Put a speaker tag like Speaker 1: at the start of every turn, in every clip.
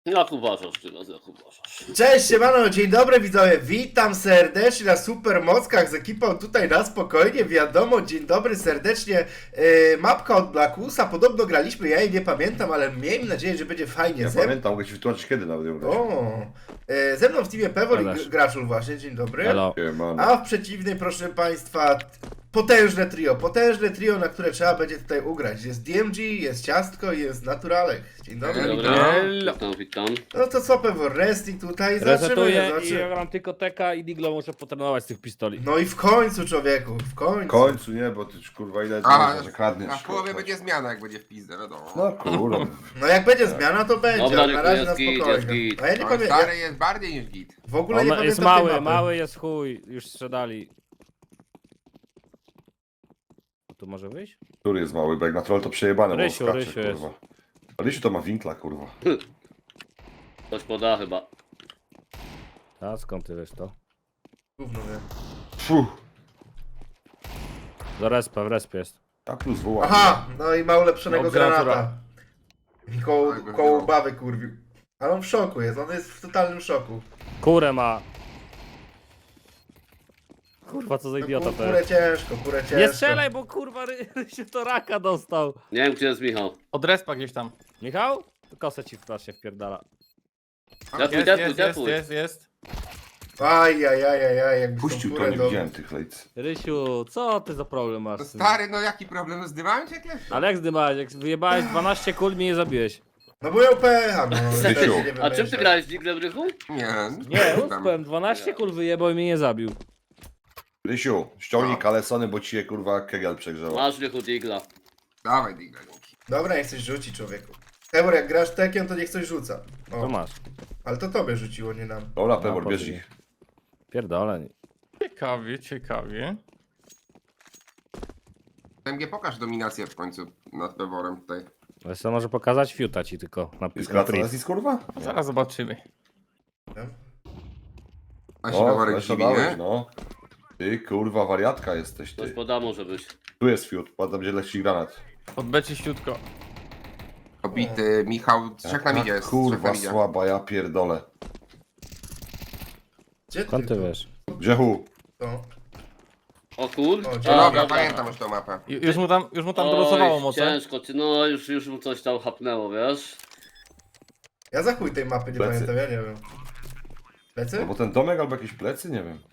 Speaker 1: Jak uważasz teraz, jak uważasz?
Speaker 2: Cześć, siemano, dzień dobry widzowie, witam serdecznie na Supermockach z ekipą tutaj na spokojnie, wiadomo, dzień dobry serdecznie. Mapka od Blackusa, podobno graliśmy, ja jej nie pamiętam, ale miejmy nadzieję, że będzie fajnie.
Speaker 3: Ja pamiętam, mogę ci wytłumaczyć kiedy nawet ją grać.
Speaker 2: Ze mną w teamie Pewor
Speaker 4: Ależ.
Speaker 2: i Graczul właśnie, dzień dobry.
Speaker 4: Hello.
Speaker 2: A w przeciwnej, proszę państwa, potężne trio, na które trzeba będzie tutaj ugrać. Jest DMG, jest Ciastko i jest Naturalek. Dzień dobry.
Speaker 1: Dzień dobry,
Speaker 4: Hello.
Speaker 1: witam.
Speaker 2: No to co Pewor, resting tutaj,
Speaker 4: Resetuję i
Speaker 2: zobaczymy.
Speaker 4: ja gram tylko teka i diglo muszę potrenować z tych pistoli.
Speaker 2: No i w końcu człowieku, w końcu.
Speaker 3: W końcu nie, bo ty kurwa ile
Speaker 5: A,
Speaker 3: że kradniesz.
Speaker 5: a w połowie
Speaker 3: kurwa.
Speaker 5: będzie zmiana, jak będzie w pizdę, wiadomo.
Speaker 3: No kurwa.
Speaker 2: No jak będzie zmiana, to będzie,
Speaker 1: Dobra,
Speaker 2: ale na razie na
Speaker 1: jest git,
Speaker 2: spokojnie.
Speaker 1: jest git.
Speaker 2: A ja nie
Speaker 5: No,
Speaker 2: pamiętam,
Speaker 5: stary jest bardziej niż git.
Speaker 2: w ogóle nie
Speaker 4: On jest
Speaker 2: pamiętam tej
Speaker 4: mały,
Speaker 2: mapy.
Speaker 4: mały jest chuj, już sprzedali. Tu może wyjść?
Speaker 3: Który jest mały, bo jak na troll to przejebane, bo
Speaker 4: Rysiu,
Speaker 3: skacze,
Speaker 4: Rysiu jest.
Speaker 3: kurwa. A Rysiu to ma winkla, kurwa.
Speaker 1: Ktoś poda chyba.
Speaker 4: A skąd ty wiesz to?
Speaker 2: Gówno wie.
Speaker 3: Fuh.
Speaker 4: Do respa, w respie jest.
Speaker 3: A plus woła.
Speaker 2: Aha, no i ma ulepszonego
Speaker 4: No,
Speaker 2: granata.
Speaker 4: granata.
Speaker 2: I koło,
Speaker 5: Tak by
Speaker 2: koło
Speaker 5: było.
Speaker 2: bawy kurwił. Ale on w szoku jest, on jest w totalnym szoku.
Speaker 4: Kurę ma. Kurwa, co za idiota to
Speaker 2: Kurę
Speaker 4: jest.
Speaker 2: ciężko, kurę ciężko.
Speaker 4: Nie strzelaj, bo kurwa się to raka dostał.
Speaker 1: Nie wiem, gdzie jest Michał.
Speaker 6: Od respa gdzieś tam.
Speaker 4: Michał? Kosę ci w klasie wpierdala.
Speaker 6: Jest.
Speaker 2: Ajajajajaj, jakby
Speaker 3: Puścił
Speaker 2: tą
Speaker 3: to,
Speaker 2: kurę
Speaker 3: nie
Speaker 2: do...
Speaker 3: widziałem tych lejc.
Speaker 4: Rysiu, co ty za problem masz?
Speaker 5: No
Speaker 4: z tym?
Speaker 5: stary, no jaki problem? Zdymałem cię jakieś?
Speaker 4: Ale jak zdymałeś? Jak wyjebałeś 12 kul, mnie nie zabiłeś.
Speaker 2: No bo ją pecha, no.
Speaker 3: Rysiu.
Speaker 2: też się nie
Speaker 1: A czym ty
Speaker 2: wymyśla.
Speaker 1: grałeś w Diglem, Rychu?
Speaker 5: Nie.
Speaker 4: Nie,
Speaker 5: tam.
Speaker 4: uspem, 12 kul wyjebał i mnie nie zabił.
Speaker 3: Rysiu, ściągnij kalesony, bo ci je kurwa kegel przegrzała.
Speaker 1: Masz Rychu Digla.
Speaker 5: Dawaj, Digla, dzięki.
Speaker 2: Dobra, niech coś rzuci człowieku. Ebor, jak grasz tekiem, to niech coś rzuca.
Speaker 4: To
Speaker 2: O,
Speaker 4: masz.
Speaker 2: ale to tobie rzuciło, nie nam.
Speaker 3: Dobra,
Speaker 4: No,
Speaker 3: Pewor, bierz
Speaker 4: powiedz.
Speaker 3: ich.
Speaker 4: Pierdolę.
Speaker 6: Ciekawie.
Speaker 5: MG, pokaż dominację w końcu nad Peworem tutaj.
Speaker 4: Ale co może pokazać fiuta ci tylko na
Speaker 3: Jest
Speaker 4: pismo.
Speaker 3: Kratonazis, kurwa?
Speaker 6: Zaraz zobaczymy.
Speaker 5: A się
Speaker 3: O,
Speaker 5: Peworek
Speaker 3: flesza
Speaker 5: dziwi,
Speaker 3: dałeś,
Speaker 5: nie?
Speaker 3: no. Ty kurwa wariatka jesteś,
Speaker 1: Ktoś
Speaker 3: ty.
Speaker 1: poda może być.
Speaker 3: Tu jest fiut, tam gdzie leci granat.
Speaker 6: Odbecie ściutko.
Speaker 5: Obity Michał, trzech na midzie jest. trzech na
Speaker 3: Kurwa
Speaker 5: midzie.
Speaker 3: słaba, ja pierdolę.
Speaker 2: Gdzie
Speaker 4: Skąd ty
Speaker 2: tu?
Speaker 4: wiesz?
Speaker 3: Grzechu,
Speaker 2: To.
Speaker 1: O kur...
Speaker 2: O,
Speaker 5: No
Speaker 2: dzień
Speaker 5: dobra, pamiętam już tą mapę.
Speaker 6: Już mu tam
Speaker 1: Oj,
Speaker 6: dolosowało moce.
Speaker 1: ciężko, no już mu coś tam hapnęło, wiesz?
Speaker 2: Ja za chuj tej mapy nie
Speaker 3: Plecy.
Speaker 2: pamiętam, ja nie wiem. Plecy?
Speaker 3: albo ten domek, albo jakieś plecy, nie wiem.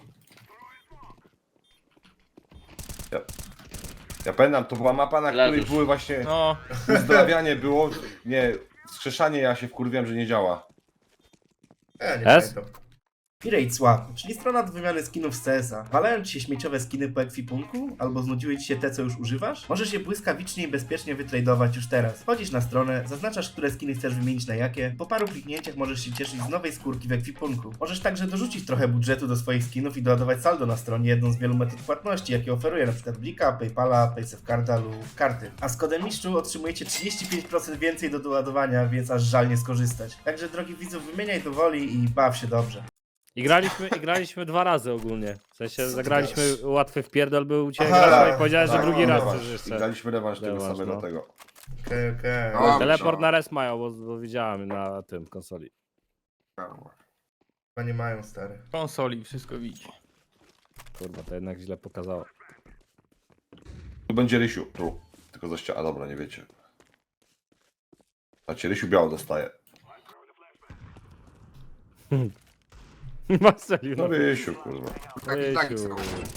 Speaker 3: Ja pamiętam, to była mapa, na której
Speaker 1: Leżysz.
Speaker 3: były właśnie
Speaker 6: No,
Speaker 3: uzdrawianie było, nie, wskrzeszanie, ja się wkurwiłem, że nie działa.
Speaker 2: Ja nie
Speaker 4: S?
Speaker 2: pamiętam. Pirate Swap, czyli strona do wymiany skinów z CS-a. Walają ci się śmieciowe skiny po ekwipunku? Albo znudziły ci się te, co już używasz? Możesz je błyskawicznie i bezpiecznie wytradować już teraz. Wchodzisz na stronę, zaznaczasz, które skiny chcesz wymienić na jakie. Po paru kliknięciach możesz się cieszyć z nowej skórki w ekwipunku. Możesz także dorzucić trochę budżetu do swoich skinów i doładować saldo na stronie, jedną z wielu metod płatności, jakie oferuje np. Blika, Paypala, Paysafecarda lub karty. A z kodem mistrzu otrzymujecie 35% więcej do doładowania, więc aż żal nie skorzystać. Także drogi widzów, wymieniaj do woli i baw się dobrze.
Speaker 4: I graliśmy 2 razy ogólnie. W sensie
Speaker 2: Co ty
Speaker 4: zagraliśmy
Speaker 2: gadasz?
Speaker 4: łatwy wpierdol był u ciebie
Speaker 2: Aha,
Speaker 4: gracza i powiedziałeś, że
Speaker 2: tak,
Speaker 4: drugi raz
Speaker 3: rewanż.
Speaker 4: chcesz
Speaker 3: I
Speaker 4: jeszcze.
Speaker 3: graliśmy rewanż tego
Speaker 4: Rewanż,
Speaker 3: samego
Speaker 4: no.
Speaker 3: tego.
Speaker 2: Okej.
Speaker 5: No.
Speaker 4: Teleport na res mają, bo widziałem na tym konsoli.
Speaker 2: Chyba nie mają, stary.
Speaker 6: konsoli, wszystko widzi.
Speaker 4: Kurwa, to jednak źle pokazało.
Speaker 3: Tu będzie Rysiu, tu. Tylko za ścianę, a dobra, nie wiecie. Znaczy, Rysiu biało dostaje.
Speaker 4: Marceliu,
Speaker 3: No Rysiu, kurwa.
Speaker 5: Taki tak
Speaker 4: Rysiu,
Speaker 5: są.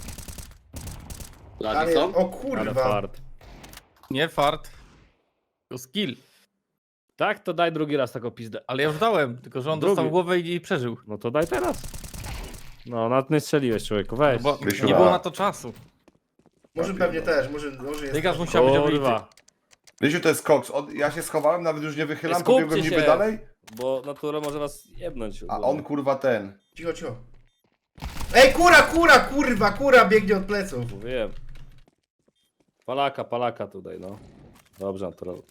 Speaker 1: Lagi
Speaker 2: Ale,
Speaker 1: są?
Speaker 2: o
Speaker 4: ale
Speaker 2: kurwa.
Speaker 4: fart.
Speaker 6: Nie fart, to skill.
Speaker 4: Tak, to daj drugi raz taką pizdę.
Speaker 6: Ale ja już dałem, tylko że on
Speaker 4: Drugi.
Speaker 6: dostał w głowę i przeżył.
Speaker 4: No to daj teraz. No, nawet nie strzeliłeś, człowieku, weź.
Speaker 6: Bo
Speaker 3: Rysiu,
Speaker 6: nie
Speaker 3: da.
Speaker 6: było na to czasu.
Speaker 2: Może pewnie też, może jest.
Speaker 6: Dygas musiał być obity.
Speaker 4: Kurwa,
Speaker 3: Rysiu to jest koks. Ja się schowałem, nawet już nie wychylam,
Speaker 4: Skupcie
Speaker 3: pobiegłem niby
Speaker 4: się.
Speaker 3: dalej,
Speaker 4: bo natura może was jebnąć.
Speaker 3: a on kurwa ten.
Speaker 2: Cicho, cicho. Ej, kurwa, biegnie od pleców.
Speaker 4: Wiem. Palaka tutaj, no. Dobrze, natural.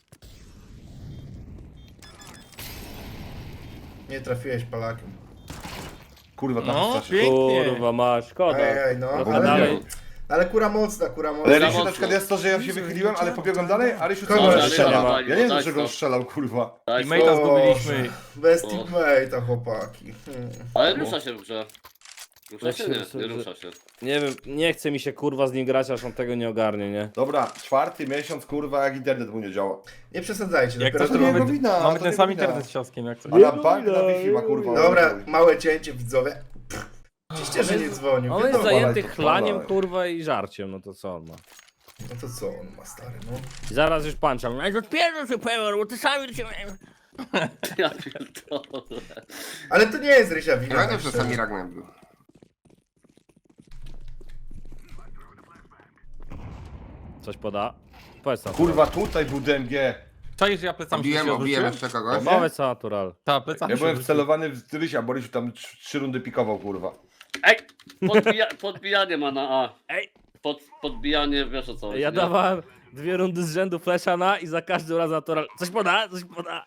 Speaker 2: Nie trafiłeś Polakiem.
Speaker 3: Kurwa, tam
Speaker 6: No,
Speaker 3: strasznie.
Speaker 6: pięknie.
Speaker 4: Kurwa, ma szkoda.
Speaker 2: Ej, no,
Speaker 4: Trochę
Speaker 2: ale
Speaker 4: dalej.
Speaker 2: Ale kura mocna, kura
Speaker 3: Ale
Speaker 2: mocna.
Speaker 3: Rysiu
Speaker 1: mocno.
Speaker 3: na przykład jest to, że ja się wychyliłem, ale pobiegłem dalej, a Rysiu
Speaker 2: Kogo
Speaker 3: cały
Speaker 2: Rysia
Speaker 3: czas strzela.
Speaker 1: nie ma?
Speaker 3: Ja nie wiem,
Speaker 1: Tak,
Speaker 3: dlaczego on
Speaker 1: to.
Speaker 3: strzelał, kurwa.
Speaker 1: Tak,
Speaker 6: Teammate'a zgubiliśmy.
Speaker 2: Bez
Speaker 1: O.
Speaker 2: teammate'a, chłopaki.
Speaker 1: ale rusza się w grze. Rusza się?
Speaker 4: Lecimy
Speaker 1: Nie, nie
Speaker 4: sobie.
Speaker 1: rusza się.
Speaker 4: Nie wiem, nie chce mi się kurwa z nim grać, aż on tego nie ogarnie, nie?
Speaker 3: Dobra, 4. miesiąc, kurwa, jak internet mu nie działa.
Speaker 2: Nie przesadzajcie,
Speaker 6: Jak
Speaker 2: dopiero
Speaker 6: to
Speaker 3: to nie
Speaker 2: to
Speaker 3: jego wina,
Speaker 6: mamy
Speaker 3: to
Speaker 6: ten
Speaker 3: nie
Speaker 6: sam
Speaker 3: wina.
Speaker 6: internet z cioskiem jak coś.
Speaker 3: A na bank na Wi-Fi ma, kurwa.
Speaker 2: Dobra, małe cięcie, widzowie. Oczywiście, że nie dzwonił.
Speaker 4: On jest
Speaker 2: Wiadomo.
Speaker 4: zajęty
Speaker 3: to
Speaker 4: chlaniem
Speaker 3: palaj.
Speaker 4: kurwa i żarciem, no to co on ma?
Speaker 2: No to co on ma, stary, no?
Speaker 4: I zaraz już pancza. No to pierdol się pełen, bo ty sami się...
Speaker 1: Ja pierdolę.
Speaker 2: Ale to nie jest Rysia
Speaker 5: Nie
Speaker 2: wina.
Speaker 5: będę
Speaker 2: tak
Speaker 5: czasami
Speaker 2: szczerze.
Speaker 5: Ragnem był.
Speaker 4: Coś poda? Powiedz co.
Speaker 3: Kurwa, tutaj był DMG.
Speaker 6: Czaisz, że ja plecami się
Speaker 5: Obiłem
Speaker 6: odwróciłem?
Speaker 5: jeszcze kogoś.
Speaker 4: Powiedz co, natural.
Speaker 6: Ta, plecami
Speaker 3: Ja
Speaker 6: się
Speaker 3: byłem
Speaker 6: odwróciłem.
Speaker 3: wcelowany w Rysia, bo Rysiu tam 3 rundy pikował, kurwa.
Speaker 1: Ej! Podbijanie ma na A.
Speaker 4: Ej!
Speaker 1: Podbijanie, wiesz o co chodzi,
Speaker 4: Ja
Speaker 1: nie?
Speaker 4: dawałem 2 rundy z rzędu flesza na i za każdym razem natural. Coś poda, coś poda.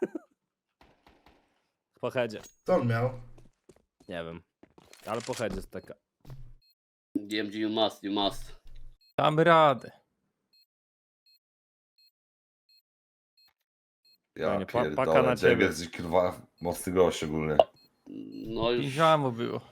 Speaker 4: Po headzie.
Speaker 2: Co on miał?
Speaker 4: Nie wiem. Ale po headzie jest taka.
Speaker 1: DMG, you must.
Speaker 6: Damy radę.
Speaker 3: Ja
Speaker 4: Fajnie, paka
Speaker 3: pierdolę,
Speaker 4: na ciebie.
Speaker 3: DMG jest, kurwa, mocny gość szczególnie.
Speaker 1: No już.
Speaker 6: Piżamo było.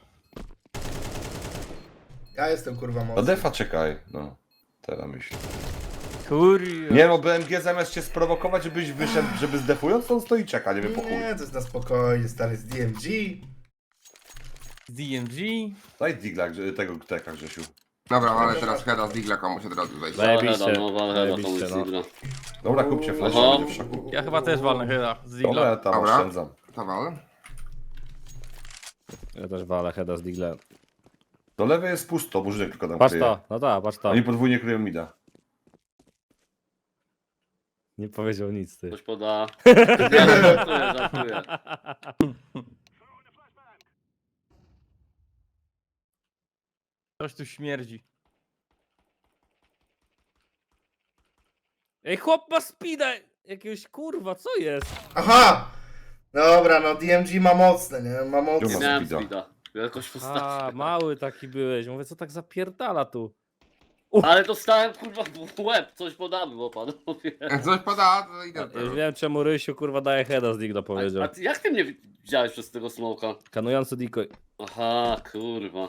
Speaker 2: Ja jestem kurwa
Speaker 3: No
Speaker 2: mocny.
Speaker 3: defa czekaj, no. Teraz myślę.
Speaker 6: Kurwa.
Speaker 3: Nie, bo BMG zamiast cię sprowokować, żebyś wyszedł, żeby zdefując, to on stoi i czeka, nie wiem po chuj.
Speaker 2: Nie, to jest na spokojnie, stary, z DMG.
Speaker 6: DMG.
Speaker 3: Daj digla tego teka, Grzesiu.
Speaker 5: Dobra, ale teraz heada z Digla komuś od razu wejść.
Speaker 4: Zajebiście.
Speaker 1: Valheda, no Valheda,
Speaker 4: Zajebiście,
Speaker 1: komuś
Speaker 4: no.
Speaker 1: Sigla.
Speaker 3: Dobra, kupcie flash,
Speaker 1: Aha.
Speaker 3: będzie w szoku.
Speaker 6: Ja chyba też walnę heada z
Speaker 3: Dobra, ja
Speaker 6: Digla.
Speaker 3: tam
Speaker 5: Dobra.
Speaker 3: oszczędzam.
Speaker 5: Towal.
Speaker 4: Ja też walę heada z Diglem.
Speaker 3: Do lewej jest pusto, burzynek tylko tam
Speaker 4: Patrz
Speaker 3: kryje.
Speaker 4: to, no tak, patrz to.
Speaker 3: Oni podwójnie kryją mida.
Speaker 4: Nie powiedział nic ty.
Speaker 1: Coś poda. Nie, no, żartuję.
Speaker 6: Coś tu śmierdzi.
Speaker 4: Ej, chłop ma speeda! Jakiegoś kurwa, co jest?
Speaker 2: Aha! Dobra, no DMG ma mocne, nie? Ma
Speaker 1: Nie
Speaker 2: mocne.
Speaker 1: miałem
Speaker 3: Speeda.
Speaker 1: speeda. Jakoś
Speaker 4: A,
Speaker 1: postaci.
Speaker 4: mały taki byłeś. Mówię, co tak zapierdala tu?
Speaker 1: Ale dostałem kurwa w łeb, coś podamy, bo panowie.
Speaker 5: Jak coś poda, to idę do
Speaker 4: Już
Speaker 5: tego.
Speaker 4: wiem czemu Rysiu kurwa daje heada z Digla powiedział.
Speaker 1: A ty, jak ty mnie widziałeś przez tego smoka?
Speaker 4: Kanujący decoy.
Speaker 1: Aha, kurwa.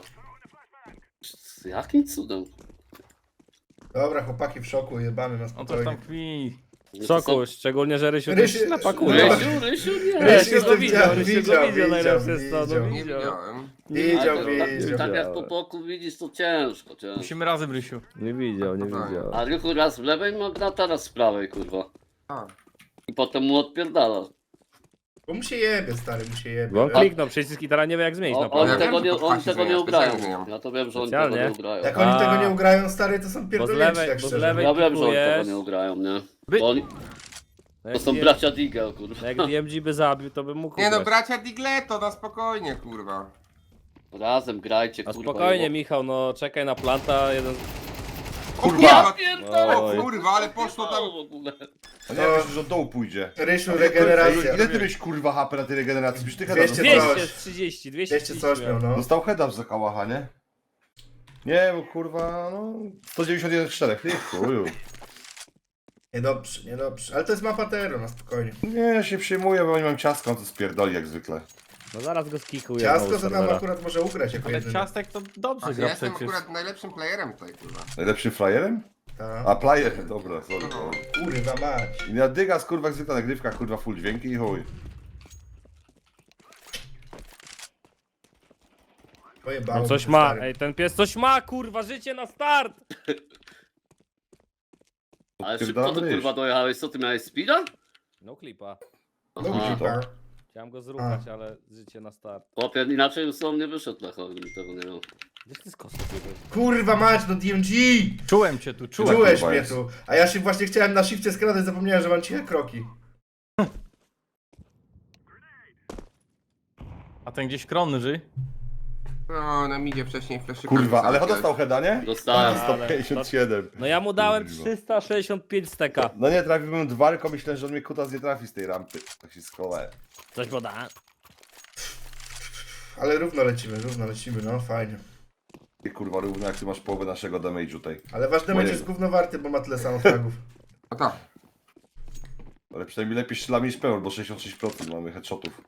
Speaker 1: Jakim cudem?
Speaker 2: Dobra, chłopaki w szoku, jebany na
Speaker 6: On coś tam
Speaker 2: spokojnie.
Speaker 6: kwi.
Speaker 1: Nie, to
Speaker 4: Soku, szczególnie, że Rysiu
Speaker 2: Rysiu-
Speaker 4: też napakuje.
Speaker 1: Rysiu, nie.
Speaker 2: Rysiu
Speaker 4: Rysiu
Speaker 2: to
Speaker 4: go widział, Rysiu go
Speaker 2: widział,
Speaker 4: widział, najlepsze jest to,
Speaker 2: widział.
Speaker 4: no
Speaker 5: Nie
Speaker 4: widział.
Speaker 5: widziałem.
Speaker 2: Widział,
Speaker 1: Ale to
Speaker 2: widział.
Speaker 1: tak jak po boku widzisz, to ciężko.
Speaker 6: Musimy razem, Rysiu.
Speaker 4: Nie widział, nie
Speaker 5: No,
Speaker 4: widział.
Speaker 1: A Rychu raz w lewej ma grata, raz w prawej, kurwa.
Speaker 5: A,
Speaker 1: I potem mu odpierdala.
Speaker 2: Bo mu się jebie, stary, mu się jebie.
Speaker 4: Bo on
Speaker 2: wiesz?
Speaker 4: kliknął przycisk i teraz nie wie jak zmienić na
Speaker 1: On
Speaker 5: Ja
Speaker 4: pewno.
Speaker 1: tego
Speaker 5: wiem,
Speaker 1: nie,
Speaker 5: że to
Speaker 1: oni
Speaker 5: pchasi
Speaker 1: tego nie
Speaker 5: zmienia,
Speaker 1: ugrają.
Speaker 5: specjalnie.
Speaker 1: Ja to wiem, że oni
Speaker 4: Specjalnie?
Speaker 1: tego nie ugrają.
Speaker 2: Jak oni
Speaker 4: A.
Speaker 2: tego nie ugrają, stary, to są pierdolnięci,
Speaker 4: lewej-
Speaker 2: tak
Speaker 4: bo z
Speaker 2: szczerze.
Speaker 4: lewej-
Speaker 1: Ja wiem, że oni tego
Speaker 4: pikujesz.
Speaker 1: nie ugrają, nie?
Speaker 6: Wy-
Speaker 1: Bo oni,
Speaker 4: No
Speaker 1: to
Speaker 4: jak
Speaker 1: są
Speaker 4: DM
Speaker 1: bracia Digel, kurwa.
Speaker 4: Jak DMG by zabił, to bym mógł
Speaker 5: nie no,
Speaker 4: ugrać.
Speaker 5: bracia Digleto, na spokojnie, kurwa.
Speaker 1: Razem grajcie,
Speaker 4: A
Speaker 1: kurwa.
Speaker 4: spokojnie,
Speaker 1: i-
Speaker 4: Michał, no czekaj na planta, jeden...
Speaker 5: O
Speaker 3: Kurwa!
Speaker 5: kurwa!
Speaker 1: Pierdolę,
Speaker 5: O kurwa, ale poszło tam...
Speaker 1: w ogóle.
Speaker 3: A nie, myślę, że od dołu pójdzie.
Speaker 2: Rysiu, regeneracja.
Speaker 3: Ile ty miałeś, kurwa, HP na tej regeneracji? Byś ty heada
Speaker 2: 200
Speaker 3: dostał.
Speaker 4: 230,
Speaker 2: 200
Speaker 4: 230
Speaker 2: coś miał, no.
Speaker 3: Dostał heada za kałacha, nie? Nie, bo kurwa, no... 191 w 4, ty chuju.
Speaker 2: Niedobrze, niedobrze. Ale to jest mapa Tero, na spokojnie.
Speaker 3: Nie, ja się przejmuję, bo oni mam ciastko, on to spierdoli jak zwykle.
Speaker 4: No zaraz go skikuję
Speaker 2: Ciasto
Speaker 4: znowu z
Speaker 2: to nam
Speaker 4: serwera.
Speaker 2: akurat może ugrać jako
Speaker 6: Ale
Speaker 2: jedyny.
Speaker 6: ciastek to dobrze
Speaker 5: Ja
Speaker 6: gra
Speaker 5: jestem
Speaker 6: przecież.
Speaker 5: akurat najlepszym playerem tutaj, kurwa.
Speaker 3: Najlepszym flyerem?
Speaker 2: Ta.
Speaker 3: A, player, dobra, sorry.
Speaker 2: Kurwa mać.
Speaker 3: I na dygas, kurwa, jak zwykle nagrywka, kurwa, full dźwięki i chuj.
Speaker 2: Pojebało
Speaker 4: On coś
Speaker 2: mnie,
Speaker 4: ma,
Speaker 2: stary.
Speaker 4: ej, ten pies coś ma, kurwa, życie na start!
Speaker 1: Ale szybko
Speaker 3: Odpierdalam
Speaker 1: to
Speaker 3: ryż.
Speaker 1: kurwa dojechałeś, co ty miałeś speeda?
Speaker 4: No klipa.
Speaker 2: No
Speaker 1: Aha.
Speaker 2: klipa.
Speaker 4: Chciałem go zruchać, ale życie na start.
Speaker 1: Chłopie, inaczej już on nie wyszedł na chodnik, tego nie miał.
Speaker 4: Gdzieś ty z kosą biegłeś?
Speaker 2: Kurwa mać, no DMG!
Speaker 6: Czułem cię tu, czułem.
Speaker 2: Czułeś
Speaker 3: kurwa
Speaker 2: mnie
Speaker 3: jest.
Speaker 2: tu. A ja się właśnie chciałem na shifcie skradać, zapomniałem, że mam ciche kroki.
Speaker 6: A ten gdzieś krąży.
Speaker 5: No, na midzie wcześniej flashy.
Speaker 3: Kurwa, ale dostał heada, nie?
Speaker 1: Dostałem.
Speaker 4: Ale-
Speaker 3: 157.
Speaker 4: No ja mu dałem
Speaker 3: Kurwa.
Speaker 4: 365 steka.
Speaker 3: No nie, trafiłbym dwa, tylko myślałem, że on mnie kutas nie trafi z tej rampy. Tak się skolałem.
Speaker 4: Coś poda.
Speaker 2: Ale równo lecimy, no fajnie.
Speaker 3: I kurwa równo jak ty masz połowę naszego damage'u tutaj.
Speaker 2: Ale wasz damage
Speaker 3: Mojego.
Speaker 2: jest gówno warty, bo ma tyle samo fragów.
Speaker 5: No tak.
Speaker 3: Ale przynajmniej lepiej strzelamy niż Peor, bo 66% mamy headshotów.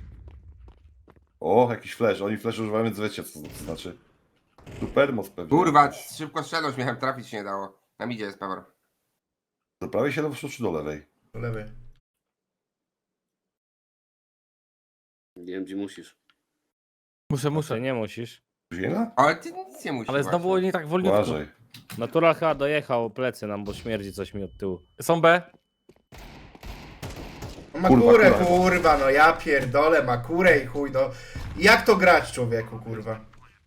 Speaker 3: O, jakiś flash. Oni flash używają, więc wiecie co to znaczy. Super moc pewnie.
Speaker 5: Kurwa, szybko strzelność miałem, trafić się nie dało. Na midzie jest Pewor.
Speaker 3: Do prawej się czy do lewej?
Speaker 2: Po lewej.
Speaker 1: Nie wiem, gdzie musisz.
Speaker 6: Muszę.
Speaker 4: Ty nie musisz.
Speaker 3: Ziela?
Speaker 5: Ale ty nic nie musisz.
Speaker 6: Ale znowu
Speaker 5: właśnie.
Speaker 6: nie tak wolniutko.
Speaker 3: Uważaj.
Speaker 4: Natural chyba dojechał plecy nam, bo śmierdzi coś mi od tyłu.
Speaker 6: Są B.
Speaker 2: No ma
Speaker 3: Kurwa,
Speaker 2: kurę,
Speaker 3: kurwa.
Speaker 2: kurwa, no ja pierdolę, ma kurę i chuj, no. Jak to grać, człowieku, kurwa?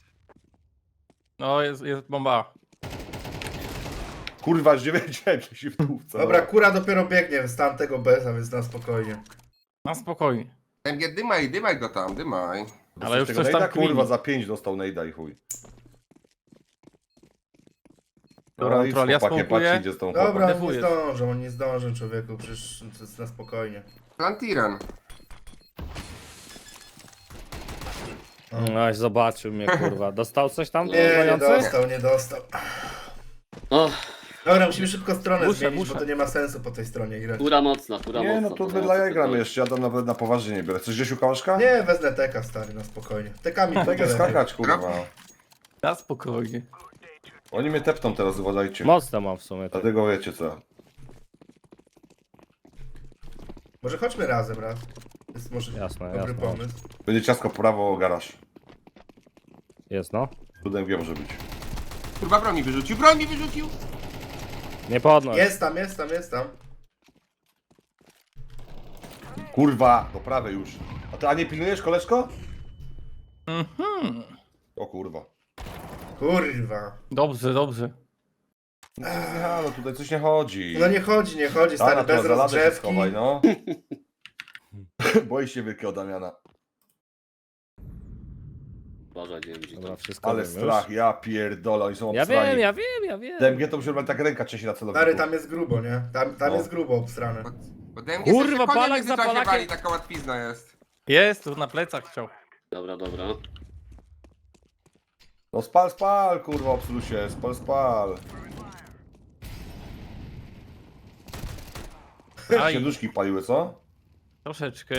Speaker 6: No, jest bomba.
Speaker 3: Kurwa, już nie wiedziałem, czy się w tłówce.
Speaker 2: Dobra, kura dopiero biegnie z tamtego beza, więc na spokojnie.
Speaker 6: Na spokojnie.
Speaker 5: MG, dymaj go tam, dymaj.
Speaker 6: Ale już
Speaker 3: tego
Speaker 6: coś tam
Speaker 3: nejda, kurwa,
Speaker 6: kmini.
Speaker 3: za 5 dostał nejda i chuj.
Speaker 6: Dobra,
Speaker 3: i
Speaker 6: Troll, ja
Speaker 3: chłopakiem,
Speaker 6: spąkuję.
Speaker 3: patrzcie, idzie z tą
Speaker 2: Dobra,
Speaker 3: chłopakiem.
Speaker 2: on nie
Speaker 6: Defujesz.
Speaker 2: zdążą, on nie zdążą, człowieku, przecież to jest na spokojnie.
Speaker 5: Plantiran.
Speaker 4: No, zobaczył mnie, kurwa. Dostał coś tam?
Speaker 2: Nie, nie
Speaker 4: dzwoniący?
Speaker 2: dostał, nie dostał.
Speaker 1: O,
Speaker 2: Dobra, musimy szybko stronę
Speaker 6: Muszę,
Speaker 2: zmienić,
Speaker 6: muszę.
Speaker 2: bo to nie ma sensu po tej stronie grać.
Speaker 1: kura mocna, kura
Speaker 3: Nie,
Speaker 1: mocna.
Speaker 3: no to
Speaker 1: to
Speaker 3: my dla jaj gramy jeszcze, ja tam nawet na poważnie nie biorę. Coś Grzesiu Kałaszka?
Speaker 2: Nie, wezmę teka, stary, na spokojnie. Tekami to
Speaker 3: Tak jest skakać, kurwa.
Speaker 6: Na spokojnie.
Speaker 3: Oni mnie tepną teraz, uważajcie.
Speaker 4: Mocno mam w sumie. Tak.
Speaker 3: Dlatego wiecie co.
Speaker 2: Może chodźmy razem, raz. To jest może
Speaker 4: Jasne,
Speaker 2: dobry
Speaker 4: jasne.
Speaker 2: pomysł.
Speaker 3: Będzie ciasko prawo, garaż.
Speaker 4: Jest, no.
Speaker 3: Cudem wie może być.
Speaker 5: Kurwa, broń mi wyrzucił!
Speaker 4: Nie podnoś.
Speaker 2: Jest tam, jest tam, jest tam.
Speaker 3: Kurwa, do prawej już. A nie pilnujesz, koleżko? O kurwa.
Speaker 2: Kurwa.
Speaker 6: Dobrze.
Speaker 3: No tutaj coś nie chodzi.
Speaker 2: No nie chodzi, stary,
Speaker 3: Dana,
Speaker 2: bez
Speaker 3: teraz za ladę się
Speaker 2: rozgrzewki.
Speaker 3: schowaj, no. Boi się wielkiego Damiana.
Speaker 1: Uważaj, nie wiem, gdzie
Speaker 4: Dobra,
Speaker 1: to.
Speaker 4: wszystko
Speaker 3: Ale
Speaker 4: wiem
Speaker 3: strach,
Speaker 4: już.
Speaker 3: ja pierdolę, oni są
Speaker 4: Ja
Speaker 3: obstrani.
Speaker 4: wiem, ja wiem.
Speaker 3: DMG to musi tak ręka trzeci na celowniku.
Speaker 2: Stary, tam jest grubo, nie? Tam
Speaker 3: No.
Speaker 2: jest grubo obstrane.
Speaker 5: Bo DMG
Speaker 4: Kurwa,
Speaker 5: sobie konia
Speaker 4: Palak
Speaker 5: w
Speaker 4: za
Speaker 5: międzyczasie
Speaker 4: Palakiem.
Speaker 5: wali, taka łatwizna jest.
Speaker 6: Jest, tu na plecach chciał.
Speaker 1: Dobra.
Speaker 3: No spal, kurwa, obslusie, spal.
Speaker 6: Aj.
Speaker 3: Się duszki paliły, co?
Speaker 6: Troszeczkę.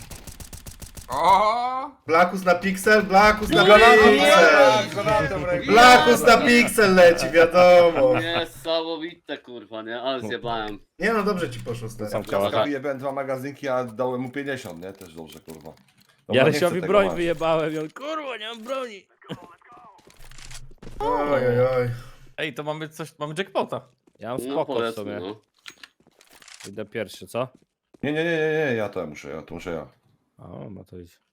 Speaker 5: O!
Speaker 2: Blackus na piksel, Blackus na
Speaker 3: Granatem
Speaker 2: piksel!
Speaker 3: w ręku.
Speaker 2: Blackus na piksel leci, wiadomo.
Speaker 1: Niesamowite, kurwa, nie? Ale zjebałem.
Speaker 2: Nie no, dobrze ci poszło, stary.
Speaker 4: Są
Speaker 3: Ja
Speaker 4: Aha.
Speaker 3: wyjebałem 2 magazynki, a dałem mu 50, nie? Też dobrze, kurwa. Dobra,
Speaker 4: Ja
Speaker 3: nie chcę
Speaker 4: Rysiowi
Speaker 3: tego
Speaker 4: broń
Speaker 3: mać.
Speaker 4: wyjebałem i on, kurwa, nie mam broni.
Speaker 2: Oj, oj, oj.
Speaker 6: Ej, to mamy jackpota.
Speaker 4: Ja mam
Speaker 1: No
Speaker 4: spoko w
Speaker 1: powiedzmy,
Speaker 4: sumie.
Speaker 1: no.
Speaker 4: Idę pierwszy, co?
Speaker 3: Nie, ja to muszę ja.
Speaker 4: O, ma to iść.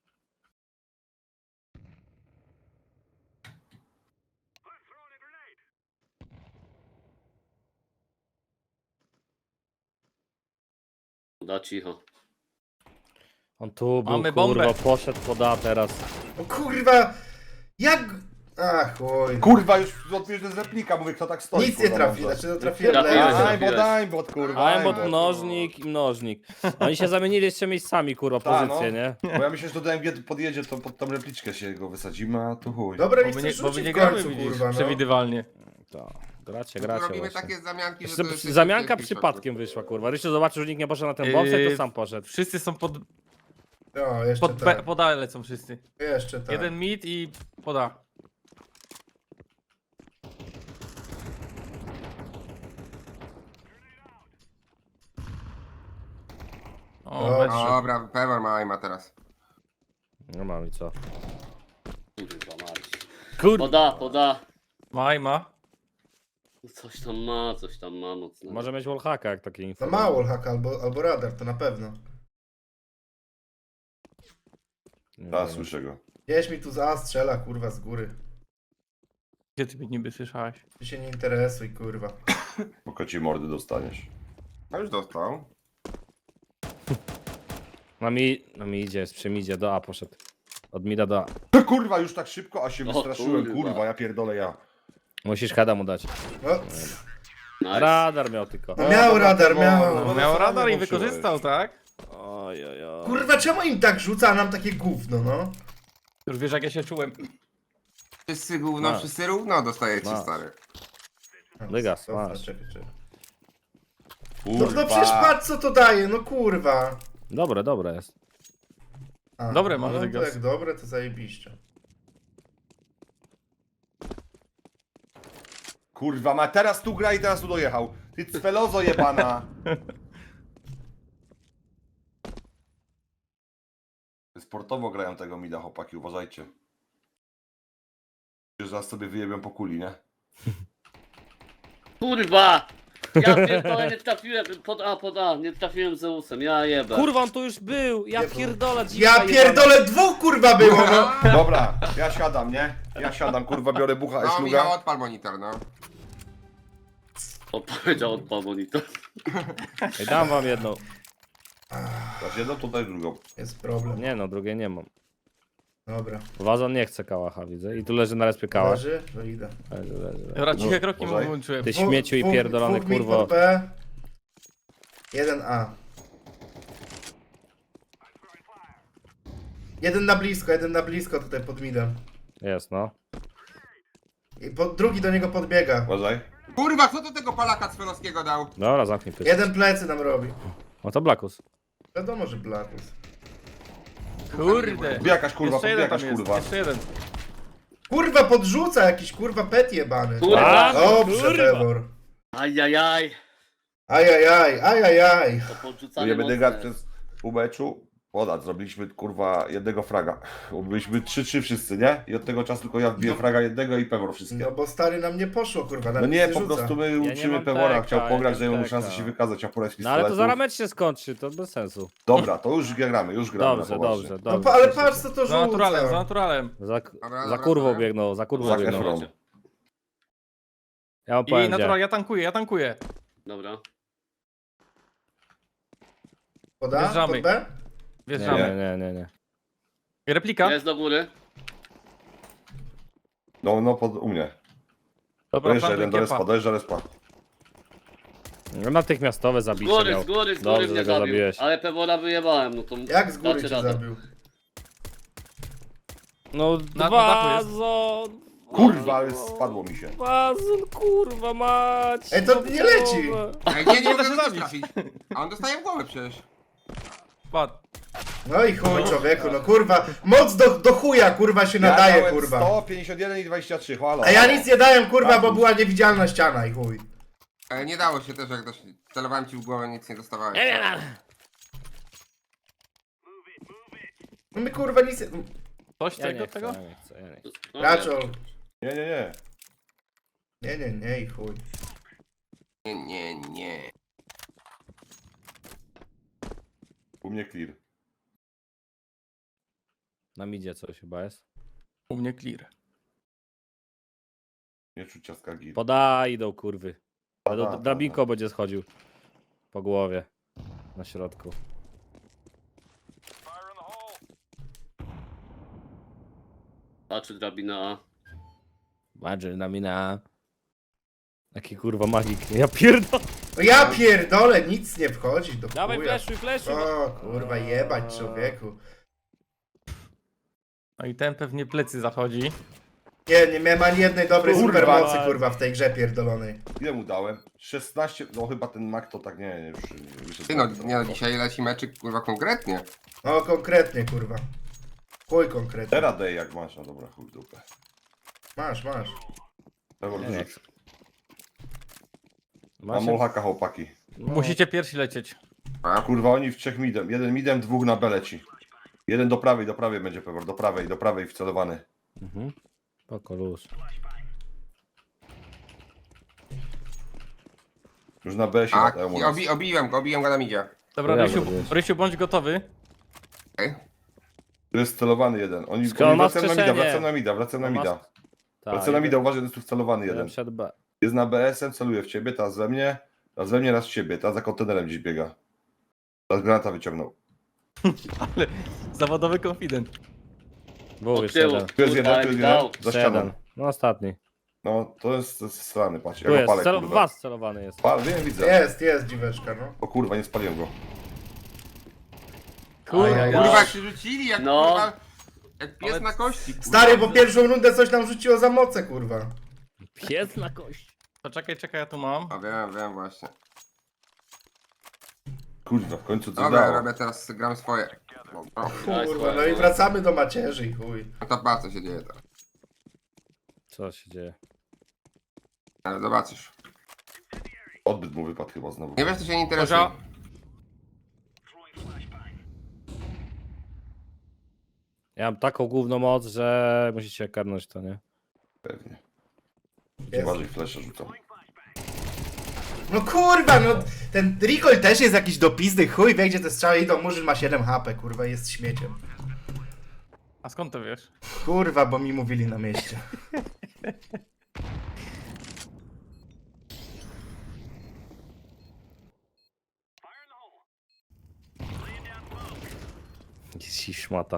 Speaker 1: Da cicho.
Speaker 4: On tu był,
Speaker 6: Mamy
Speaker 4: kurwa,
Speaker 6: bombę.
Speaker 4: poszedł poda teraz.
Speaker 2: O kurwa! Jak... Ach, oj.
Speaker 3: Kurwa, już odbierz z replika, mówię, kto tak stoi.
Speaker 2: Nic nie
Speaker 3: kurwa,
Speaker 2: trafi,
Speaker 3: może.
Speaker 2: znaczy no trafiłem
Speaker 1: Trafiłeś,
Speaker 2: lewo.
Speaker 1: trafiłeś.
Speaker 3: Dajbot, kurwa.
Speaker 4: Aimbot,
Speaker 3: aimbot.
Speaker 4: mnożnik i mnożnik. Oni się zamienili jeszcze miejscami, kurwa,
Speaker 3: Ta,
Speaker 4: pozycje,
Speaker 3: no.
Speaker 4: nie?
Speaker 3: Bo ja myślę, że do DMG podjedzie, to pod tą repliczkę się go wysadzimy, a tu chuj.
Speaker 2: Dobra,
Speaker 6: Bo
Speaker 2: niech
Speaker 6: my
Speaker 2: coś
Speaker 6: nie, bo my
Speaker 2: rzuci
Speaker 6: nie
Speaker 2: w
Speaker 6: gramy,
Speaker 2: końcu,
Speaker 6: widzisz,
Speaker 2: kurwa, no.
Speaker 6: przewidywalnie.
Speaker 4: To, gracie
Speaker 5: Tu robimy
Speaker 4: właśnie.
Speaker 5: takie zamianki, że
Speaker 4: Przy-
Speaker 5: to jest...
Speaker 4: Zamianka przypadkiem wyszła, kurwa. Rysiu zobaczył, że nikt nie poszedł na ten bombsek, to sam poszedł.
Speaker 6: Wszyscy są
Speaker 2: No, jeszcze tak.
Speaker 6: pod A lecą wszyscy.
Speaker 2: Jeszcze tak.
Speaker 6: Jeden mid i pod A. O,
Speaker 2: Dobrze.
Speaker 6: mecz.
Speaker 5: Dobra, Pewor ma aima teraz.
Speaker 4: No mam i co?
Speaker 1: Kurwa, mać.
Speaker 4: Kurwa.
Speaker 1: Poda.
Speaker 6: Ma.
Speaker 1: Coś tam ma mocno.
Speaker 4: Może mieć wallhacka, jak takie info.
Speaker 2: No mało haka albo radar, to na pewno.
Speaker 4: Nie
Speaker 3: Tak,
Speaker 4: wiem.
Speaker 3: słyszę go.
Speaker 2: Gdzieś mi tu z A strzela, kurwa, z góry.
Speaker 6: Gdzie ty mnie niby słyszałeś?
Speaker 2: Ty się nie interesuj, kurwa.
Speaker 3: Po kociej mordy dostaniesz.
Speaker 5: No już dostał.
Speaker 4: Na mi idzie, przy midzie, do A poszedł. Od mida do A.
Speaker 3: Kurwa, już tak szybko, a się
Speaker 1: O,
Speaker 3: wystraszyłem,
Speaker 1: kurwa.
Speaker 3: kurwa, ja pierdolę ja.
Speaker 4: Musisz heada mu dać.
Speaker 2: No,
Speaker 1: Nice.
Speaker 4: Radar miał tylko.
Speaker 2: no miał radar, miał.
Speaker 3: No,
Speaker 6: Miał
Speaker 3: no,
Speaker 6: radar i
Speaker 3: włączyłeś.
Speaker 6: wykorzystał, tak?
Speaker 4: Oj, oj, oj.
Speaker 2: Kurwa, czemu im tak rzuca, a nam takie gówno, no?
Speaker 6: Już wiesz jak ja się czułem.
Speaker 5: Wszyscy gówno,
Speaker 4: No.
Speaker 5: wszyscy równo dostajecie,
Speaker 4: No.
Speaker 5: stary.
Speaker 4: Dygas,
Speaker 2: Dobra,
Speaker 4: masz.
Speaker 2: czekaj.
Speaker 3: Kurwa.
Speaker 2: No przecież patrz co to daje, no kurwa.
Speaker 4: Dobre jest.
Speaker 2: A,
Speaker 6: Dobre masz,
Speaker 2: no to
Speaker 6: Dygas.
Speaker 2: jak dobre, to zajebiście.
Speaker 3: Kurwa, ma teraz tu gra i teraz tu dojechał. Ty cwelozo jebana. Sportowo grają tego mida, chłopaki, uważajcie. Że zaraz sobie wyjebią po kuli, nie?
Speaker 1: Kurwa! Ja pierdolę, nie trafiłem pod A, nie trafiłem Zeusem, ja jebę.
Speaker 4: Kurwa, on tu już był! Ja pierdolę, dziwka
Speaker 2: Ja
Speaker 4: jebana.
Speaker 2: pierdolę, dwóch kurwa było, no.
Speaker 3: Dobra, ja siadam, nie? Ja siadam, kurwa, biorę bucha,
Speaker 5: No, Michał,
Speaker 3: szluga.
Speaker 5: odpal monitor, no.
Speaker 1: Odpowiedział odpał monitor.
Speaker 4: Ej, dam wam jedną.
Speaker 3: Dasz jedną, to daj drugą.
Speaker 2: Jest problem.
Speaker 4: Nie no, drugiej nie mam.
Speaker 2: Dobra.
Speaker 4: Wazon nie chce kałacha, widzę. I tu leży na respie kałasz.
Speaker 2: Leży? To idę.
Speaker 4: Leży.
Speaker 6: Dobra, ciche kroki mu
Speaker 3: uważaj.
Speaker 6: włączyłem.
Speaker 4: Ty śmieciu i pierdolony,
Speaker 2: Dwóch mid
Speaker 4: kurwo.
Speaker 2: pod B. 1A. Jeden na blisko tutaj pod midem.
Speaker 4: Jest, no.
Speaker 2: I drugi do niego podbiega.
Speaker 3: Uważaj.
Speaker 5: Kurwa, kto do tego Polaka Cwelowskiego dał?
Speaker 4: Dobra, zamknij pysk.
Speaker 2: Jeden plecy nam robi.
Speaker 4: No to Blackus.
Speaker 2: Wiadomo, że Blackus.
Speaker 6: Kurde.
Speaker 3: Podbijasz, kurwa,
Speaker 6: Jeszcze jeden tam
Speaker 3: podbijasz,
Speaker 6: jest,
Speaker 3: kurwa.
Speaker 6: jeszcze jeden.
Speaker 2: Kurwa podrzuca jakiś kurwa pet jebany.
Speaker 1: Kurwa!
Speaker 2: Dobrze,
Speaker 4: kurwa.
Speaker 2: Pewor.
Speaker 1: Ajajaj!
Speaker 2: Ajajaj.
Speaker 1: To podrzucanie
Speaker 3: Nie będę
Speaker 1: mocne.
Speaker 3: gadać przez pół meczu. Podać, zrobiliśmy kurwa jednego fraga. Byliśmy 3-3 wszyscy, nie? I od tego czasu tylko ja wbiję fraga jednego i Pewor wszystkie.
Speaker 2: No bo stary nam nie poszło kurwa.
Speaker 3: No
Speaker 2: nam
Speaker 3: nie,
Speaker 2: nic
Speaker 3: po
Speaker 2: rzuca.
Speaker 3: prostu my
Speaker 4: nie
Speaker 3: uczymy
Speaker 4: mam
Speaker 3: Pewora,
Speaker 4: teka,
Speaker 3: chciał pograć,
Speaker 4: ja
Speaker 3: daje mu
Speaker 4: teka.
Speaker 3: szansę się wykazać, chciał porać
Speaker 4: No ale to
Speaker 3: pistoletów.
Speaker 4: zaraz mecz się skończy, to bez sensu.
Speaker 3: Dobra, to już gramy, już gramy.
Speaker 4: Dobrze,
Speaker 3: na poważnie.
Speaker 4: dobrze,
Speaker 2: No
Speaker 4: dobrze.
Speaker 2: ale patrz co to
Speaker 6: Za naturalem, za
Speaker 2: rzuca.
Speaker 6: naturalem.
Speaker 4: Za
Speaker 5: Dobra,
Speaker 4: kurwą
Speaker 5: dobra.
Speaker 4: biegną, za kurwą
Speaker 3: Za
Speaker 4: biegną.
Speaker 3: Efron.
Speaker 4: Ja wam
Speaker 6: I
Speaker 4: powiem
Speaker 6: natural,
Speaker 4: gdzie.
Speaker 6: ja tankuję.
Speaker 1: Dobra.
Speaker 2: Poda?
Speaker 6: Wjeżdżamy.
Speaker 2: Pod B?
Speaker 6: Wjeżdżamy.
Speaker 4: Nie.
Speaker 6: Replika?
Speaker 1: Jest do góry.
Speaker 3: No, u mnie.
Speaker 6: Dobra,
Speaker 3: Dojeżdża
Speaker 6: plantuj
Speaker 3: jeden do respa,
Speaker 6: kiepa.
Speaker 3: dojeżdża respa.
Speaker 4: No, natychmiastowe
Speaker 1: Z
Speaker 4: zabicie
Speaker 1: góry,
Speaker 4: miał.
Speaker 1: z góry, z
Speaker 4: Dobrze,
Speaker 1: góry mnie
Speaker 4: że go
Speaker 1: zabił.
Speaker 4: zabiłeś.
Speaker 1: Ale Pewora wyjebałem, no to
Speaker 2: Jak z góry
Speaker 1: dacie
Speaker 2: cię
Speaker 1: radę.
Speaker 2: zabił?
Speaker 4: No
Speaker 6: dachu
Speaker 4: wazon!
Speaker 3: Kurwa, ale spadło mi się.
Speaker 4: Wazon, kurwa mać!
Speaker 2: Ej, to nie leci.
Speaker 5: Ej, nie
Speaker 6: Nie da
Speaker 5: mogę
Speaker 6: się
Speaker 5: go
Speaker 6: zabić.
Speaker 5: trafić. A on dostaje w głowę przecież.
Speaker 6: Spadł.
Speaker 2: No i chuj człowieku, no kurwa. Moc do chuja kurwa się nadaje
Speaker 3: dałem
Speaker 2: kurwa.
Speaker 3: 151 i 23, halo.
Speaker 2: A ja nic nie dałem kurwa, bo
Speaker 3: Blackus.
Speaker 2: była niewidzialna ściana i chuj.
Speaker 5: Nie dało się też, jak celowałem ci w głowę, nic nie dostawałem.
Speaker 2: No my kurwa nic nie...
Speaker 6: Coś
Speaker 4: Ja
Speaker 6: tego,
Speaker 4: nie chcę,
Speaker 6: tego?
Speaker 4: ja nie chcę, ja nie chcę.
Speaker 1: No,
Speaker 2: Raczol.
Speaker 3: Nie.
Speaker 2: Nie i chuj.
Speaker 5: Nie.
Speaker 3: U mnie clear.
Speaker 4: Na midzie coś chyba jest.
Speaker 6: U mnie clear.
Speaker 3: Nie czuć ciastka gil.
Speaker 4: Podaj, idą kurwy.
Speaker 3: Da.
Speaker 4: Drabinko będzie schodził. Po głowie. Na środku.
Speaker 1: Patrzy drabina A.
Speaker 4: Badger na mina. Jaki kurwa magik. Ja pierdolę.
Speaker 2: No ja pierdolę, nic nie wchodzi do
Speaker 4: Dawaj
Speaker 2: chuja.
Speaker 4: fleszuj.
Speaker 2: O kurwa jebać człowieku.
Speaker 6: No i ten pewnie plecy zachodzi.
Speaker 2: Nie miałem ani jednej dobrej
Speaker 3: Kurwa.
Speaker 2: supermocy kurwa w tej grze pierdolonej.
Speaker 3: Ile mu dałem? 16, no chyba ten mak to tak nie wyszedł.
Speaker 5: Ty no, nie no, dzisiaj leci meczyk, kurwa, konkretnie.
Speaker 2: No konkretnie kurwa. Chuj konkretnie.
Speaker 3: Teraz daj jak masz, no dobra, chuj w dupę.
Speaker 2: Masz.
Speaker 3: Pewor
Speaker 4: Nie, nie
Speaker 3: wyrzuć.
Speaker 4: Masz
Speaker 3: Mam molhaka chłopaki.
Speaker 6: Musicie pierwsi lecieć.
Speaker 5: A?
Speaker 3: Kurwa, oni w 3 midem. Jeden midem, dwóch na B leci. Jeden do prawej będzie Pewor, do prawej wcelowany.
Speaker 4: Mhm. Spoko, luz.
Speaker 3: Już na B się
Speaker 5: A,
Speaker 3: latają u nas.
Speaker 5: obiłem go na midzie.
Speaker 6: Dobra,
Speaker 4: Ja
Speaker 6: Rysiu,
Speaker 4: zrobię.
Speaker 6: Rysiu, bądź gotowy.
Speaker 5: Okej.
Speaker 3: Tu jest celowany jeden. Oni
Speaker 4: Skoro ma
Speaker 3: wracają na mida,
Speaker 4: wskrzeszenie.
Speaker 3: wracają na mida.
Speaker 4: Tak,
Speaker 3: Wracają na mida, uważaj, jest tu wcelowany jeden.
Speaker 4: Przed B.
Speaker 3: Jest na BS-em, celuje w ciebie, teraz we mnie, raz w ciebie, teraz za kontenerem gdzieś biega. Teraz granata wyciągnął.
Speaker 6: Zawodowy confident.
Speaker 4: Był
Speaker 1: Od
Speaker 4: jeszcze
Speaker 1: tyłu.
Speaker 4: jeden.
Speaker 3: Tu jest jeden,
Speaker 1: Kurwa,
Speaker 3: tu jest
Speaker 1: jak
Speaker 3: jeden,
Speaker 1: dał.
Speaker 3: za
Speaker 4: Jeszcze
Speaker 3: ścianą.
Speaker 4: jeden. No ostatni.
Speaker 3: No, to jest strany, patrz, ja
Speaker 4: Tu
Speaker 3: go
Speaker 4: jest.
Speaker 3: palę,
Speaker 4: W
Speaker 3: kurwa.
Speaker 4: was celowany jest.
Speaker 3: Wiem, widzę.
Speaker 2: Jest dziweczka no.
Speaker 3: O kurwa, nie spaliłem go.
Speaker 6: Kurwa.
Speaker 2: Ajajaj.
Speaker 5: Kurwa, jak się rzucili, jak
Speaker 1: No.
Speaker 5: kurwa... Jak pies
Speaker 6: Ale-
Speaker 5: na kości. kurwa.
Speaker 2: Stary, bo pierwszą rundę coś nam rzuciło za moce, kurwa.
Speaker 4: Pies na kość.
Speaker 6: To czekaj, ja tu mam.
Speaker 5: A wiem właśnie.
Speaker 3: Kurwa, w końcu coś
Speaker 5: Dobra,
Speaker 3: dało.
Speaker 5: robię teraz, gram swoje.
Speaker 2: Kurwa, no i wracamy do macierzy i chuj.
Speaker 5: No to patrz co się dzieje teraz.
Speaker 4: Co się dzieje?
Speaker 5: Ale zobaczysz.
Speaker 3: Odbyt mu wypadł chyba znowu.
Speaker 5: Nie wiesz, to się nie interesuje.
Speaker 6: Kozia.
Speaker 4: Ja mam taką główną moc, że musicie karnąć to, nie?
Speaker 3: Pewnie.
Speaker 2: Jest.
Speaker 3: Uważaj, flesze rzucam.
Speaker 2: No kurwa, no ten recoil też jest jakiś do pizdy, chuj wie gdzie te strzały idą, Murzyn ma 7 HP, kurwa, jest śmieciem.
Speaker 6: A skąd to wiesz?
Speaker 2: Kurwa, bo mi mówili na mieście.
Speaker 4: Ci szmata.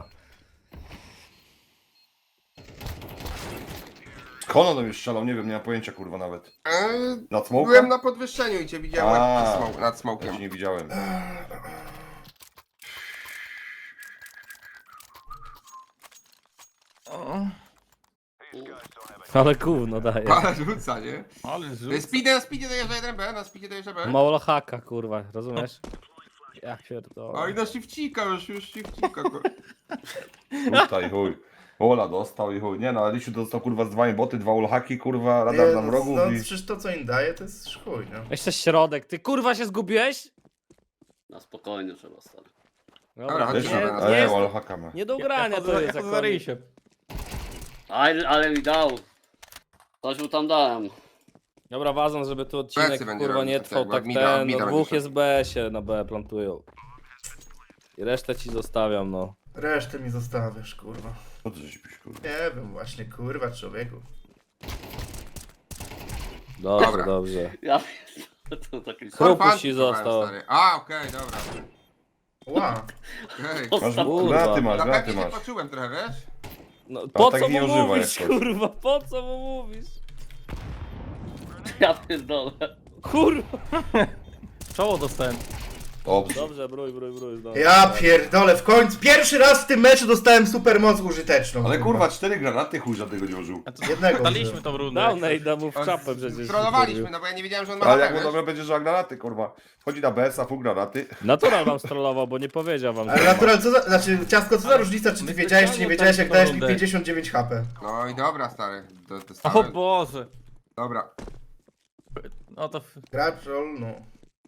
Speaker 3: Skąd on już strzelał? Nie wiem, nie mam pojęcia kurwa nawet. Nad
Speaker 5: Byłem
Speaker 3: smokiem?
Speaker 5: na podwyższeniu i cię widziałem
Speaker 3: A.
Speaker 5: nad
Speaker 3: Ja
Speaker 5: smokiem.
Speaker 3: cię nie widziałem.
Speaker 6: O,
Speaker 4: Ale gówno daje.
Speaker 5: Ale rzuca, nie?
Speaker 6: ale
Speaker 5: Na
Speaker 6: rzut.
Speaker 5: speedzie dojeżdża 1B, na speedzie dojeżdża B.
Speaker 4: Mało haka, kurwa, rozumiesz? Ja pierdolę.
Speaker 5: Oj, no shifcika już shifcika.
Speaker 3: Tutaj chuj. Ola dostał i chuj. Nie no, Alisiu dostał kurwa z 2 boty, 2 ulhaki, kurwa, radar na
Speaker 2: no,
Speaker 3: wrogów
Speaker 2: no
Speaker 3: i...
Speaker 2: przecież to co im daje to jest chuj, no.
Speaker 4: Jeszcze środek, ty kurwa się zgubiłeś?
Speaker 1: Na spokojnie trzeba, stary.
Speaker 5: Dobra,
Speaker 3: Też
Speaker 5: chodźmy
Speaker 3: nie,
Speaker 5: na
Speaker 4: nie,
Speaker 3: nie,
Speaker 4: jest,
Speaker 3: ulhaka ma.
Speaker 4: nie do grania to jest.
Speaker 6: Ja
Speaker 4: jak
Speaker 6: za
Speaker 4: on-
Speaker 6: ryjsie.
Speaker 1: Ale mi dał. Coś mu tam dałem.
Speaker 4: Dobra, ważne, żeby tu odcinek
Speaker 5: Plecy będzie
Speaker 4: kurwa
Speaker 5: robić,
Speaker 4: nie
Speaker 5: tak
Speaker 4: trwał
Speaker 5: jakby
Speaker 4: tak
Speaker 5: mida
Speaker 4: ten, no
Speaker 5: będzie
Speaker 4: dwóch
Speaker 5: szedł.
Speaker 4: jest B się na B plantują. I resztę ci zostawiam, no.
Speaker 2: Resztę mi zostawiasz, kurwa.
Speaker 3: Co ty żeś kurwa?
Speaker 2: Nie wiem właśnie, kurwa, człowieku.
Speaker 4: Dobrze,
Speaker 5: Dobra.
Speaker 4: dobrze.
Speaker 1: Ja to taki
Speaker 4: Chrupuś ci został.
Speaker 5: A, okej, dobra.
Speaker 2: Ła.
Speaker 5: Okej.
Speaker 3: Masz
Speaker 4: Kurwa.
Speaker 3: granaty masz,
Speaker 5: Na
Speaker 3: granaty
Speaker 5: pewnie się
Speaker 3: masz.
Speaker 5: poczułem trochę, wiesz?
Speaker 4: No, po
Speaker 3: tak
Speaker 4: co
Speaker 3: nie
Speaker 4: mu
Speaker 3: używaj
Speaker 4: mówisz,
Speaker 3: jak coś.
Speaker 4: kurwa, po co mu mówisz?
Speaker 1: Ja pierdolę.
Speaker 4: Kurwa.
Speaker 6: Czoło dostałem.
Speaker 3: Dobrze.
Speaker 4: Dobrze, brój, no.
Speaker 2: Ja pierdolę, w końcu, pierwszy raz w tym meczu dostałem supermoc użyteczną.
Speaker 3: Ale kurwa, 4 granaty chuj żadnego nie użył.
Speaker 6: A to
Speaker 2: Jednego
Speaker 6: daliśmy
Speaker 2: użyłem.
Speaker 6: tą rundę.
Speaker 4: Dał Nejda mu w czapę przecież.
Speaker 5: Trollowaliśmy, no bo ja nie wiedziałem, że on ma
Speaker 3: Ale
Speaker 5: HP,
Speaker 3: jak mu
Speaker 5: wiesz?
Speaker 3: dobra będzie, że granaty, kurwa. Wchodzi na BS-a, pół granaty.
Speaker 4: Natural wam strollował, bo nie powiedział wam.
Speaker 2: Ale
Speaker 4: że ma.
Speaker 2: natural, co za, znaczy ciastko, co za różnica, czy ty
Speaker 6: my
Speaker 2: wiedziałeś, czy nie
Speaker 6: specjalnie
Speaker 2: wiedziałeś, jak
Speaker 6: tak
Speaker 2: dałeś mi
Speaker 6: rundę.
Speaker 2: 59 HP.
Speaker 5: No i dobra, stary.
Speaker 6: O
Speaker 5: Dostałem.
Speaker 6: Boże.
Speaker 5: Dobra.
Speaker 6: No to...
Speaker 2: Gracz roll, no.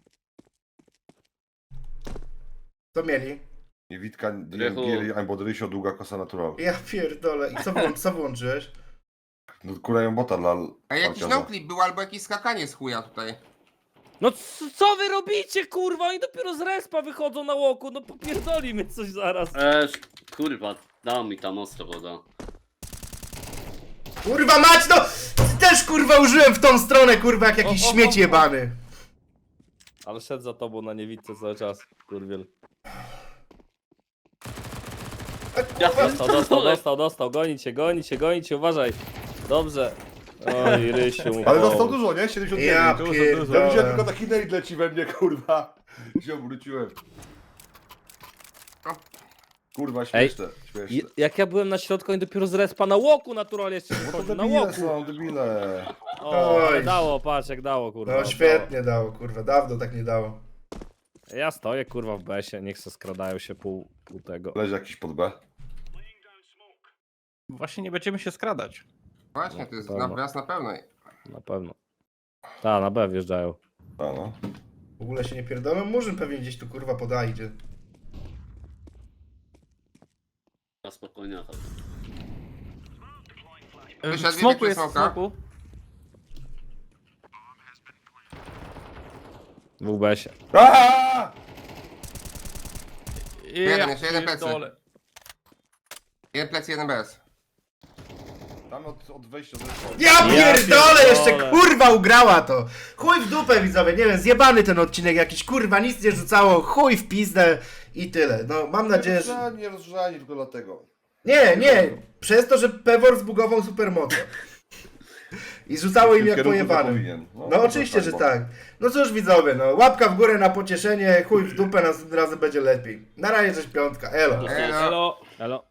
Speaker 2: Co mieli?
Speaker 3: I Witka,
Speaker 1: Rychu.
Speaker 3: Gieri, albo Rysio, długa kosa natural.
Speaker 2: Ja pierdolę. I co wyłączyłeś?
Speaker 3: No kurają bota dla...
Speaker 5: A jakiś
Speaker 3: Falciarza.
Speaker 5: noclip był albo jakieś skakanie z chuja tutaj.
Speaker 4: No co wy robicie, kurwa? Oni dopiero z respa wychodzą na łoku, no popierdoli mnie coś zaraz.
Speaker 1: Kurwa, dał mi tam ostro woda.
Speaker 2: Kurwa mać, no! Też kurwa użyłem w tą stronę, kurwa, jak jakiś śmieć jebany.
Speaker 4: Ale szedł za tobą na niewidce cały czas, kurwiel.
Speaker 1: Ja
Speaker 4: Dostał, gonicie, uważaj. Dobrze. Oj, Rysiu.
Speaker 3: Ale dostał dużo, nie? 79.
Speaker 2: Ja
Speaker 3: Ja widziałem tylko
Speaker 2: pierdolę.
Speaker 3: taki nade leci we mnie, kurwa. Się obróciłem. Kurwa, śmieszne, śmieszne.
Speaker 4: Jak ja byłem na środku, oni dopiero z respa na łoku naturalnie jeszcze
Speaker 3: Bo to
Speaker 4: wchodzą, na
Speaker 3: debile
Speaker 4: łoku.
Speaker 3: są, debile.
Speaker 4: O, ale
Speaker 2: Oj.
Speaker 4: dało, patrz jak dało, kurwa.
Speaker 2: No świetnie dało, kurwa, dawno tak nie dało.
Speaker 4: Dało. Ja stoję, kurwa, w besie, niech se skradają się pół tego.
Speaker 3: Leży jakiś pod B.
Speaker 6: Właśnie nie będziemy się skradać.
Speaker 5: Właśnie, to jest
Speaker 4: Pewno.
Speaker 5: na pewno.
Speaker 4: Na pewno. Ta, na B wjeżdżają.
Speaker 3: A no.
Speaker 2: W ogóle się nie pierdolę, Murzyn pewnie gdzieś tu kurwa podajdzie.
Speaker 1: Na spokojnie.
Speaker 5: Wyszedł,
Speaker 6: W smoku
Speaker 5: wybiegł
Speaker 6: jest,
Speaker 5: ze
Speaker 6: w
Speaker 5: smoka.
Speaker 6: smoku.
Speaker 4: W besie.
Speaker 3: Aaaa!
Speaker 5: Jeden, jeszcze jeden plecy.
Speaker 6: pierdolę.
Speaker 5: Jeden plec, jeden bez.
Speaker 3: Tam od wejścia zeszło.
Speaker 2: Ja pierdolę, jeszcze
Speaker 4: pierdolę.
Speaker 2: kurwa ugrała to. Chuj w dupę widzowie, nie wiem, zjebany ten odcinek jakiś, kurwa, nic nie rzucało, chuj w pizdę i tyle. No mam nadzieję, że...
Speaker 3: Nie rozgrzani tylko dlatego.
Speaker 2: Nie, przez to, że Pewor zbugował supermocę. I rzucało im
Speaker 3: W tym
Speaker 2: jak
Speaker 3: kierunku
Speaker 2: pojebanym.
Speaker 3: powinien.
Speaker 2: No oczywiście, że tak. No cóż widzowie, no łapka w górę na pocieszenie, chuj w dupę, następnym razem będzie lepiej. Na razie, cześć piątka, elo.
Speaker 5: Elo.
Speaker 4: Elo. Elo.